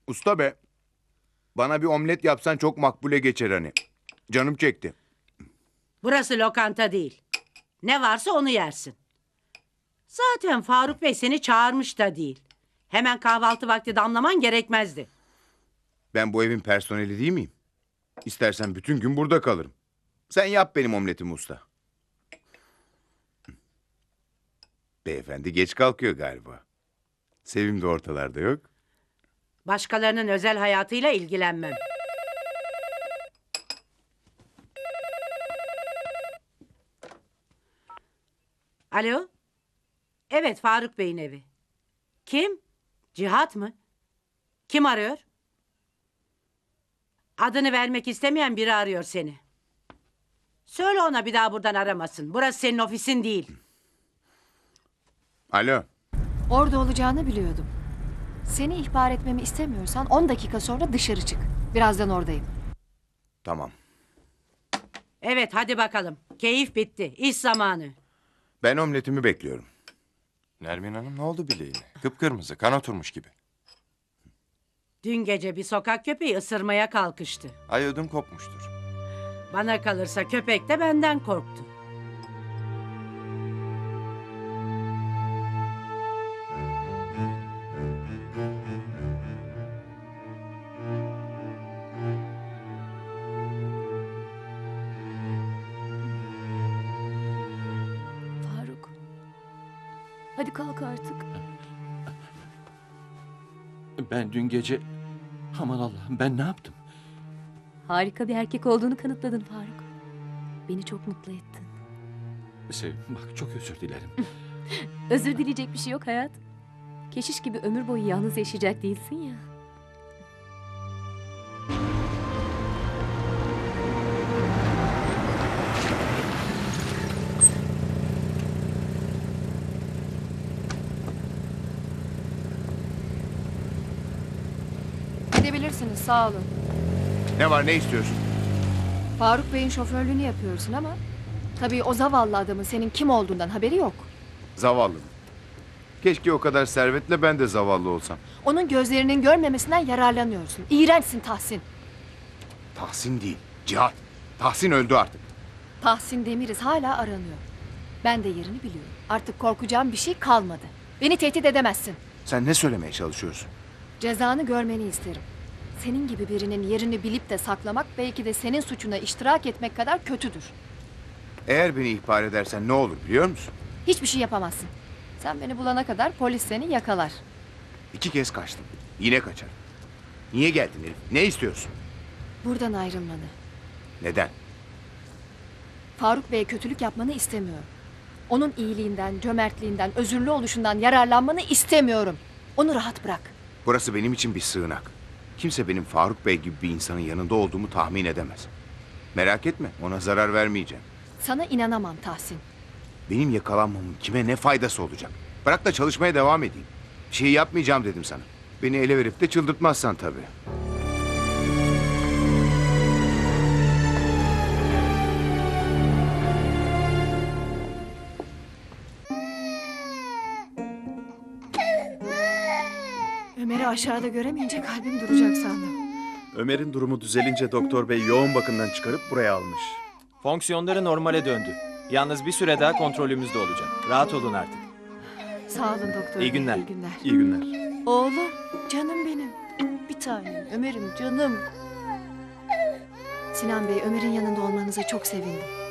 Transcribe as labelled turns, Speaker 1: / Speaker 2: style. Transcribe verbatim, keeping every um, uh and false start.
Speaker 1: Usta be. Bana bir omlet yapsan çok makbule geçer hani. Canım çekti.
Speaker 2: Burası lokanta değil. Ne varsa onu yersin. Zaten Faruk Bey seni çağırmış da değil. Hemen kahvaltı vakti damlaman gerekmezdi.
Speaker 1: Ben bu evin personeli değil miyim? İstersen bütün gün burada kalırım. Sen yap benim omletimi usta. Beyefendi geç kalkıyor galiba. Sevim de ortalarda yok.
Speaker 2: Başkalarının özel hayatıyla ilgilenmem. Alo? Evet, Faruk Bey'in evi. Kim? Cihat mı? Kim arıyor? Adını vermek istemeyen biri arıyor seni. Söyle ona bir daha buradan aramasın. Burası senin ofisin değil.
Speaker 1: Alo.
Speaker 3: Orada olacağını biliyordum. Seni ihbar etmemi istemiyorsan on dakika sonra dışarı çık. Birazdan oradayım.
Speaker 1: Tamam.
Speaker 2: Evet, hadi bakalım. Keyif bitti. İş zamanı.
Speaker 1: Ben omletimi bekliyorum.
Speaker 4: Nermin Hanım ne oldu bileğine? Kıpkırmızı, kan oturmuş gibi.
Speaker 2: Dün gece bir sokak köpeği ısırmaya kalkıştı.
Speaker 4: Ay ödüm kopmuştur.
Speaker 2: Bana kalırsa köpek de benden korktu.
Speaker 3: Faruk. Hadi kalk artık.
Speaker 5: Ben dün gece... Aman Allah'ım ben ne yaptım?
Speaker 6: Harika bir erkek olduğunu kanıtladın Faruk. Beni çok mutlu ettin.
Speaker 5: Sevim bak çok özür dilerim.
Speaker 6: Özür dileyecek bir şey yok hayat. Keşiş gibi ömür boyu yalnız yaşayacak değilsin ya.
Speaker 3: Gidebilirsiniz, sağ olun.
Speaker 1: Ne var, ne istiyorsun?
Speaker 3: Faruk Bey'in şoförlüğünü yapıyorsun ama... tabii o zavallı adamın senin kim olduğundan haberi yok.
Speaker 1: Zavallı mı? Keşke o kadar servetle ben de zavallı olsam.
Speaker 3: Onun gözlerinin görmemesinden yararlanıyorsun. İğrençsin Tahsin.
Speaker 1: Tahsin değil, Cihat. Tahsin öldü artık.
Speaker 3: Tahsin Demiriz hala aranıyor. Ben de yerini biliyorum. Artık korkacağım bir şey kalmadı. Beni tehdit edemezsin.
Speaker 1: Sen ne söylemeye çalışıyorsun?
Speaker 3: Cezanı görmeni isterim. Senin gibi birinin yerini bilip de saklamak belki de senin suçuna iştirak etmek kadar kötüdür.
Speaker 1: Eğer beni ihbar edersen ne olur biliyor musun?
Speaker 3: Hiçbir şey yapamazsın. Sen beni bulana kadar polis seni yakalar.
Speaker 1: İki kez kaçtım. Yine kaçarım. Niye geldin Elif? Ne istiyorsun?
Speaker 3: Buradan ayrılmanı.
Speaker 1: Neden?
Speaker 3: Faruk Bey'e kötülük yapmanı istemiyorum. Onun iyiliğinden, cömertliğinden, özürlü oluşundan yararlanmanı istemiyorum. Onu rahat bırak.
Speaker 1: Burası benim için bir sığınak. Kimse benim Faruk Bey gibi bir insanın yanında olduğumu tahmin edemez. Merak etme, ona zarar vermeyeceğim.
Speaker 3: Sana inanamam Tahsin.
Speaker 1: Benim yakalanmamın kime ne faydası olacak? Bırak da çalışmaya devam edeyim. Bir şey yapmayacağım dedim sana. Beni ele verip de çıldırtmazsan tabii.
Speaker 3: Ömer'i aşağıda göremeyince kalbim duracak sandım.
Speaker 7: Ömer'in durumu düzelince doktor bey yoğun bakımdan çıkarıp buraya almış.
Speaker 8: Fonksiyonları normale döndü. Yalnız bir süre daha kontrolümüzde olacak. Rahat olun artık.
Speaker 3: Sağ olun doktor.
Speaker 8: İyi
Speaker 3: bey,
Speaker 8: günler.
Speaker 3: İyi günler.
Speaker 7: İyi günler.
Speaker 3: Oğlum, canım benim. Bir tanem, Ömer'im canım. Sinan Bey, Ömer'in yanında olmanıza çok sevindim.